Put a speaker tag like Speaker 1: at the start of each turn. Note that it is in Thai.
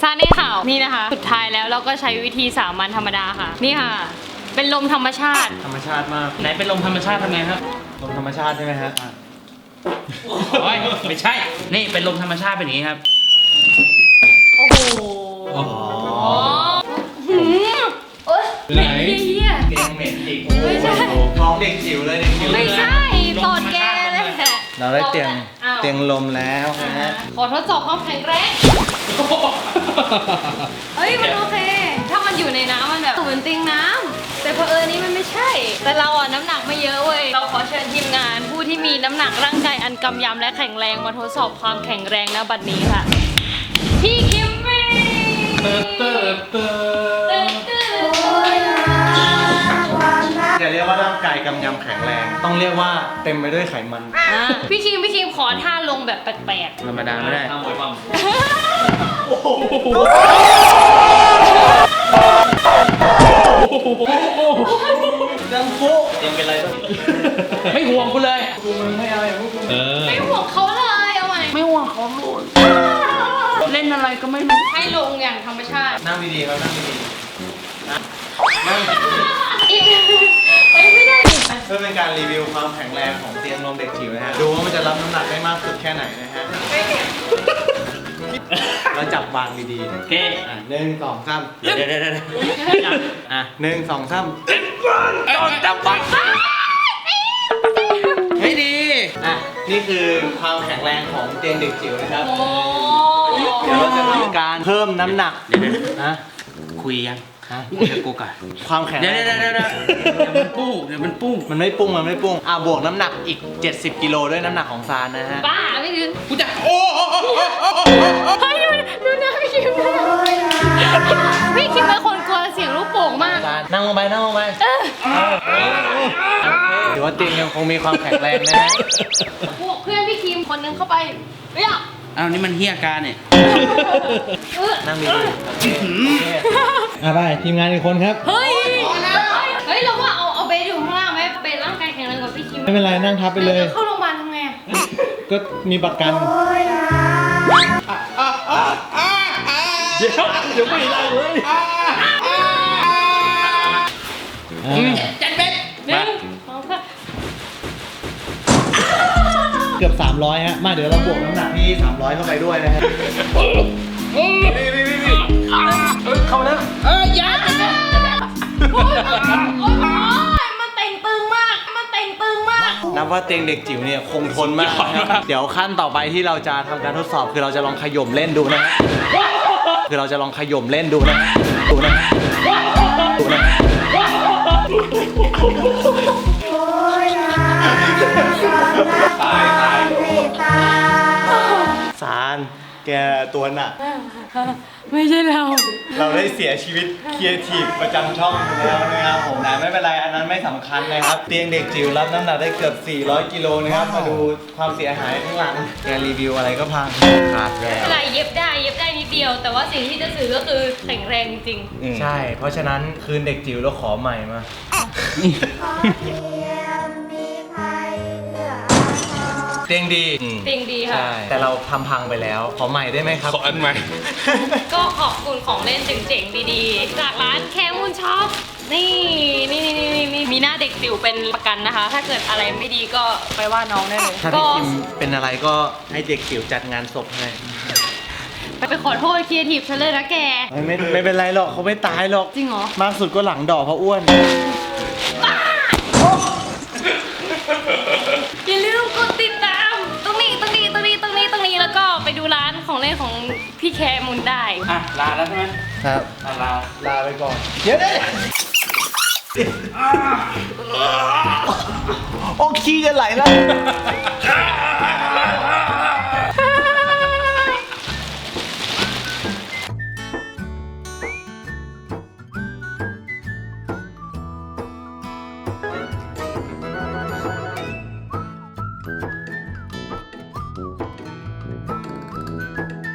Speaker 1: ซาเน่ข่าวนี่นะคะสุดท้ายแล้วเราก็ใช้วิธีสามัญธรรมดาค่ะนี่ค่ะเป็นลมธรรมชาติ
Speaker 2: ธรรมชาติมาก
Speaker 3: ไหนเป็นลมธรรมชาติทำไงครับ
Speaker 2: ลมธรรมชาติใช่ไหมฮะ
Speaker 3: โอ้ยไม่ใช่ นี่เป็นลมธรรมชาติเป็นอย่างนี้ครับ
Speaker 1: โอ้โห
Speaker 2: อ๋อ
Speaker 1: หืมโอ๊ยเหม็นเหี้ย
Speaker 2: เตียงเหม็นอีก
Speaker 1: ไม่ใช่
Speaker 2: ท้องเด็กจิ๋วเลยเด็กจิ๋ว
Speaker 1: ไม่ใช่ตอดแกเลยแหละ
Speaker 2: เราได้เตียง
Speaker 1: อ้าว
Speaker 2: เตียงลมแล้วนะฮะ
Speaker 1: ขอทดสอบความแข็งแรงเฮ้ยมันโอเค ถ้ามันอยู่ในน้ำมันแบบเหมือนเตียงน้ำแต่เผอิญนี้มันไม่ใช่ แต่เราอ่ะน้ำหนักไม่เยอะเว้ยเราขอเชิญทีมงานผู้ที่มีน้ำหนักร่างกายอันกำยำและแข็งแรงมาทดสอบความแข็งแรงณบัดนี้ค่ะพี่คิมมี่
Speaker 2: อย่าเรียกว่าร่างกายกำยำแข็งแรง ต้องเรียกว่าเต็มไปด้วยไขมัน
Speaker 1: พี่คิมขอท่าลงแบบแปลก
Speaker 3: ธรรมดาไม่ได้
Speaker 2: ทำมวยปั้ม ดังฟุเตียงเป็นไรบ้าง
Speaker 3: ไม่ห่วงกูเลย
Speaker 2: กูมึงไม่เอาอย่างพวกกู
Speaker 1: ๆไม่ห่วงเขาเลยเอาใหม่
Speaker 3: ไม่ห่วงเขาโลดเล่นอะไรก็ไม่รู้
Speaker 1: ให้ลงอย่างธรรมชาติ
Speaker 2: นั่งดีๆครับนั่งดีๆนั่ง
Speaker 1: อีกไม่ได้ดิ
Speaker 2: เพื่อเป็นการรีวิวความแข็งแรงของเตียงนมเด็กจิ๋วนะฮะ ดูว่ามันจะรับน้ำหนักได้มากสุดแค่ไหนนะฮะ เราจับวางดีๆ
Speaker 3: โอเค
Speaker 2: 1 2 3
Speaker 3: เดี๋ยวอ่ะ
Speaker 2: 1 2 3
Speaker 3: จับบังไม่ดี
Speaker 2: อ่ะนี่คือความแข็งแรงของเตียงเด็กจิ๋วนะครับ
Speaker 1: โอ้
Speaker 2: เดี๋ยวเราจะทำการเพิ่มน้ำหนัก
Speaker 3: เดี๋ยว
Speaker 2: นะ
Speaker 3: คุยยัง
Speaker 2: ฮะ
Speaker 3: คุยกับกูก่อน
Speaker 2: ความแข็ง
Speaker 3: เดี๋ยว
Speaker 2: แรง
Speaker 3: เดี๋ยวมันปุ้ง
Speaker 2: มันไม่ปุ้งบวกน้ำหนักอีก70 กิโลด้วยน้ำหนักของซานนะฮะ
Speaker 1: บ้าไม่ถึง
Speaker 3: กูจะโอ้
Speaker 1: เฮ้ยดูนะพี่คิมพี่คิมเป็นคนกลัวเสียงลูกโป่งมาก
Speaker 2: ซานนั่งลงไปถือว่าเตียงยังคงมีความแข็งแรงนะฮะ
Speaker 1: พวกเพื่อนพี่คิมคนนึงเข้าไปเรียก
Speaker 3: อ้าวนี่มันเฮียการเนี่ย
Speaker 2: นั่งดีๆโอเคไปทีมงานอีกคนครับ
Speaker 1: เฮ้ยเราว่าเอาเบสอยู่ข้างล่างไหมเบสร่างกายแข็งแรงกว่าพี่คิม
Speaker 2: ไม่เป็นไรนั่งทับไปเลย
Speaker 1: เข้าโรงพยาบาลทำไงอะ
Speaker 2: ก็มีประกันเดี๋ยวไม่ได้เลย
Speaker 1: 1
Speaker 3: จันเป็น
Speaker 1: 2 3
Speaker 2: เกือบ300ฮะมาเดี๋ยวเราบวกน้ำหนักที่300เข้าไปด้วยนะฮะเข้ามาแล้ว
Speaker 3: ยัน
Speaker 1: โอ๊ยมันเต่งตึงมาก
Speaker 2: นับว่าเตียงเด็กจิ๋วเนี่ยคงทนมากนะครับเดี๋ยวขั้นต่อไปที่เราจะทำการทดสอบคือเราจะลองขย่มเล่นดูนะฮะดูนะตายสารแกตัวหนัก
Speaker 1: ไม่ใช่เรา
Speaker 2: เราได้เสียชีวิตครีเอทีฟประจำช่องไปแล้วนะครับผมนะไม่เป็นไรอันนั้นไม่สำคัญนะครับเตียงเด็กจิ๋วรับน้ำหนักได้เกือบ400 กิโลนะครับมาดูความเสียหายข้างหลังแกรีวิวอะไรก็พังขาดแล้ว
Speaker 1: อะไรเย็บได้นิดเดียว แต่ว่าสิ่งที่จะสื่อก็คือแข็งแรงจริง
Speaker 2: ใช่ เพราะฉะนั้นคืนเด็กจิ๋วเราขอใหม่มา เตียงดี
Speaker 1: จริงดีค่ะ
Speaker 2: ใช่แต่เราทำพังไปแล้ว ขอใหม่ได้ไหมครับ
Speaker 3: ขออันใหม่
Speaker 1: ก็ขอบคุณของเล่นเจ๋งๆดีๆ จากร้านแคมูนช็อปนี่มีหน้าเด็กจิ๋วเป็นประกันนะคะ ถ้าเกิดอะไรไม่ดีก็ไปว่าน้องได้เลย
Speaker 2: ถ้า
Speaker 1: ก็
Speaker 2: พี่คิมเป็นอะไรก็ให้เด็กจิ๋วจัดงานศพให้
Speaker 1: ไปขอโทษครีเอทีฟฉันเลยนะแก
Speaker 2: ไม่เป็นไรหรอกเขาไม่ตายหรอก
Speaker 1: จริงเหรอ
Speaker 2: มากสุดก็หลังดอกเพราะอ้วน
Speaker 1: อย่าลืมกดติดตามตรงนี้แล้วก็ไปดูร้านของเล่นของพี่แคมูนได้
Speaker 3: อ่ะลาแล้วใช่ไหม
Speaker 2: ครับ ลาไปก่อน เดี๋ยวโอ้ขี้จะไหลแล้ว